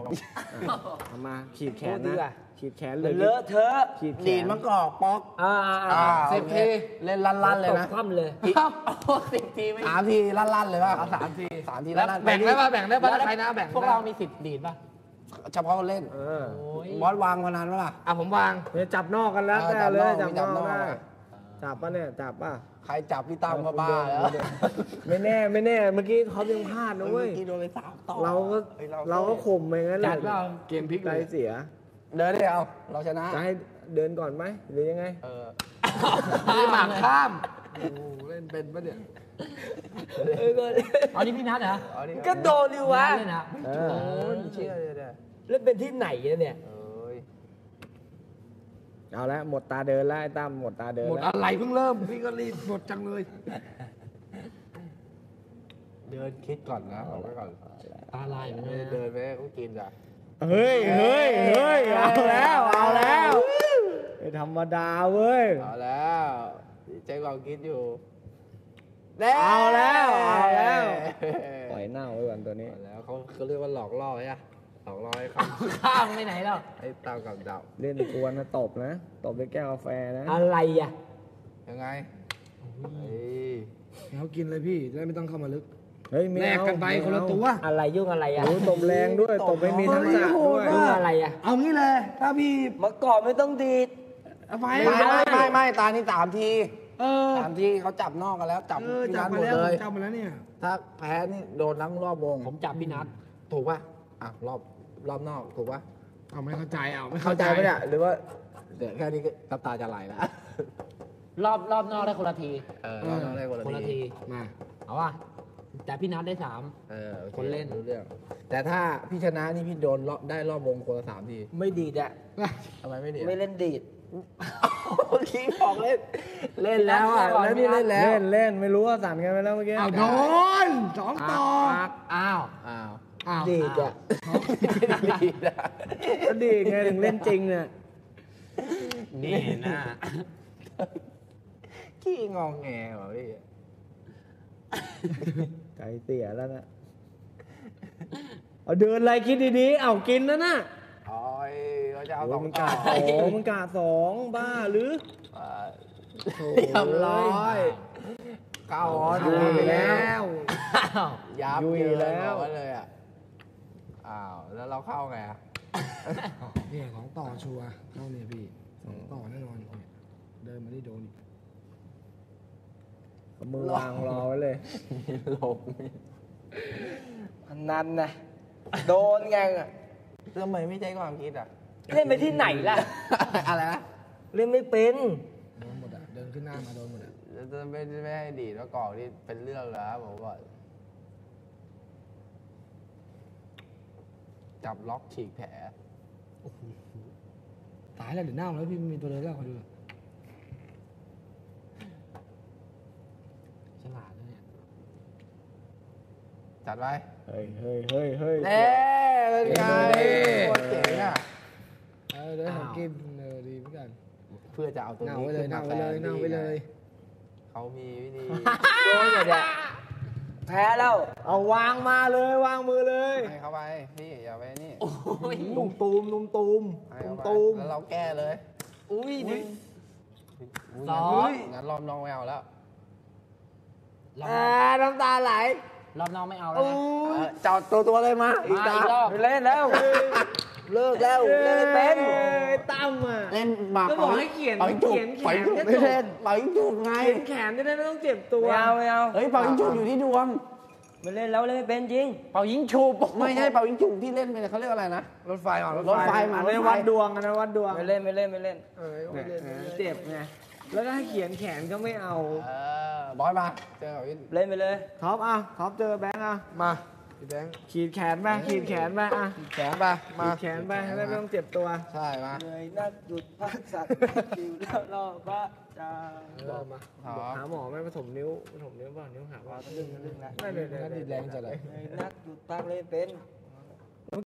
เอามาขีดแขนนะขีดแขนเลยเลอะเทอะขีดแขนดีดมันกอกป๊อก 10 ทีเล่นลั่นๆเลยนะคว่ำเลย 10 ที3 ทีลั่นๆเลยป่ะเอา3 ทีลั่นๆแบ่งได้ป่ะใครนะแบ่งพวกเรามี10 ดีดป่ะเฉพาะคนเล่นบอสวางพนันป่ะล่ะผมวางจับนอกกันแล้วแต่เลยจับนอกได้จับป่ะเนี่ยจับป่ะใครจับพี่ตั้มก็บ้าแล้วไม่แน่เมื่อกี้เขายังพลาดนะเว้ยโดนไป3 ต่อเราก็ข่มไปงั้นเลยเกมพลิกใจเสียเดินได้เอาเราชนะจะให้เดินก่อนไหมหรือยังไงมีหมากข้ามเล่นเป็นปะเนี่ยอันนี้พี่นัทเหรอก็โดนดิวะเล่นนะเชื่อเลยเล่นเป็นที่ไหนเนี่ยเอาละหมดตาเดินแล้วไอ้ตั้มหมดตาเดินหมดอะไรเพิ่งเริ่มพี่ก็รีบหมดจังเลยเดินคิดก่อนนะเอาไว้ก่อนตาลายไม่ได้เดินไปก็กินจ้ะเฮ้ยเอาแล้วไม่ธรรมดาเว้ยเอาแล้วใจกองคิดอยู่เอาแล้วปล่อยเน่าไว้ก่อนตัวนี้แล้วเขาเรียกว่าหลอกล่อใช่ไหมหลอกล่อให้ข้ามไปไหนแล้วไอ้เต่ากับเต่าเล่นกวนนะตบด้วยแก้วกาแฟนะอะไรอ่ะยังไงเขากินเลยพี่จะได้ไม่ต้องเข้ามาลึกแลกกันไปคนละตัวอะไรยุ่งอะไรอ่ะตบแรงด้วยตบไม่มีทักษะด้วยยุ่งอะไรอ่ะเอางี้เลยถ้าพี่มาก่อนไม่ต้องดีดไม่ตานี่3 ที3 ทีเขาจับนอกกันแล้วจับพี่นัทหมดเลยจับมาแล้วเนี่ยถ้าแพ้นี่โดนทั้งรอบวงผมจับพี่นัทถูกป่ะรอบนอกถูกป่ะไม่เข้าใจไม่เข้าใจไหมเนี่ยหรือว่าเดี๋ยวแค่นี้ก็น้ำตาจะไหลแล้วรอบนอกได้คนละทีรอบนอกได้คนละทีมาเอาว่ะแต่พี่นัทได้3คนเล่นรู้เรื่องแต่ถ้าพี่ชนะนี่พี่โดนได้รอบวงคนละ3 ทีไม่ดีดอ่ะทำไมไม่ดีไม่เล่นดีดเมื่อกี้บอกเล่นแล้วแล้วพี่เล่นแล้วเล่นไม่รู้ว่าสั่นกันไปแล้วเมื่อกี้โดน2 ต่ออ้าวดีดอ่ะก็ดีไงถึงเล่นจริงเนี่ยนี่นะขี้งองแงเหรอพี่ใจเสียแล้วนะเอาเดินอะไรคิดดีๆเอากินนะน่ะเขาจะเอา2 ต่อมันกา2บ้าหรือเรียบร้อยเข้าอยู่แล้วยับอยู่แล้วเลยแล้วเราเข้าไงเนี่ย2 ต่อชัวร์เข้าเนี่ยพี่2 ต่อแน่นอนเดินมาได้โดนมือวางรอไว้เลยลงนั่นนะโดนไงทำไมไม่ใช่ความคิดเล่นไปที่ไหนล่ะอะไรนะเล่นไม่เป็นโดนหมดเดินขึ้นหน้ามาโดนหมดจะไม่ให้ดีดแล้วก่อที่เป็นเรื่องแล้วผมบอกจับล็อกฉีกแผลตายแล้วเดี๋ยวเน่าแล้วพี่มีตัวเลยแล้วคอยดูฉลาดนะเนี่ยจัดไปเฮ้ยเน่เป็นไงโคตรเจ๋งเดี๋ยวผมกินดีเหมือนกันเพื่อจะเอาตัวนี้เน่าไปเลยเขามีวิธีโดนเลยเนี่ยแพ้แล้วเอาวางมาเลยวางมือเลยให้เขาไปพี่อย่าไปนี่นุ่มตูมแล้วเราแก้เลยอุ้ยงั้นรอบน้องไม่เอาแล้วน้ำตาไหลรอบน้องไม่เอาแล้วจอดตัวเลยมาอีกรอบเล่นแล้วเลิกแล้วเล่นเป็นตั้มอ่ะเล่นหมากก็บอกให้เขียนแขนไม่เล่นเป่ายิงจุกไงแขนจะได้ไม่ต้องเจ็บตัวไม่เอาเฮ้ยเป่ายิงจุกอยู่ที่ดวงไม่เล่นแล้วเล่นไม่เป็นจริงเป่ายิงฉุบไม่ใช่เป่ายิงฉุบที่เล่นไปเขาเรียกอะไรนะรถไฟมาไม่วัดดวงนะวัดดวงไม่เล่นเจ็บไงแล้วถ้าเขียนแขนก็ไม่เอาบอยมาเจอเล่นไปเลยท็อปเจอแบงค์มาพี่แบงค์ขีดแขนไปขีดแขนไปแขนไปมาแขนไปให้ไม่ต้องเจ็บตัวใช่มาเลยนักหยุดพักสัตว์อยู่แล้วรอพระจ้ามาหาหมอไม่ผสมนิ้วป่ะนิ้วหักว่าลึ่งนะไม่เลยแรงจะไหลนักหยุดพักเลยเป็น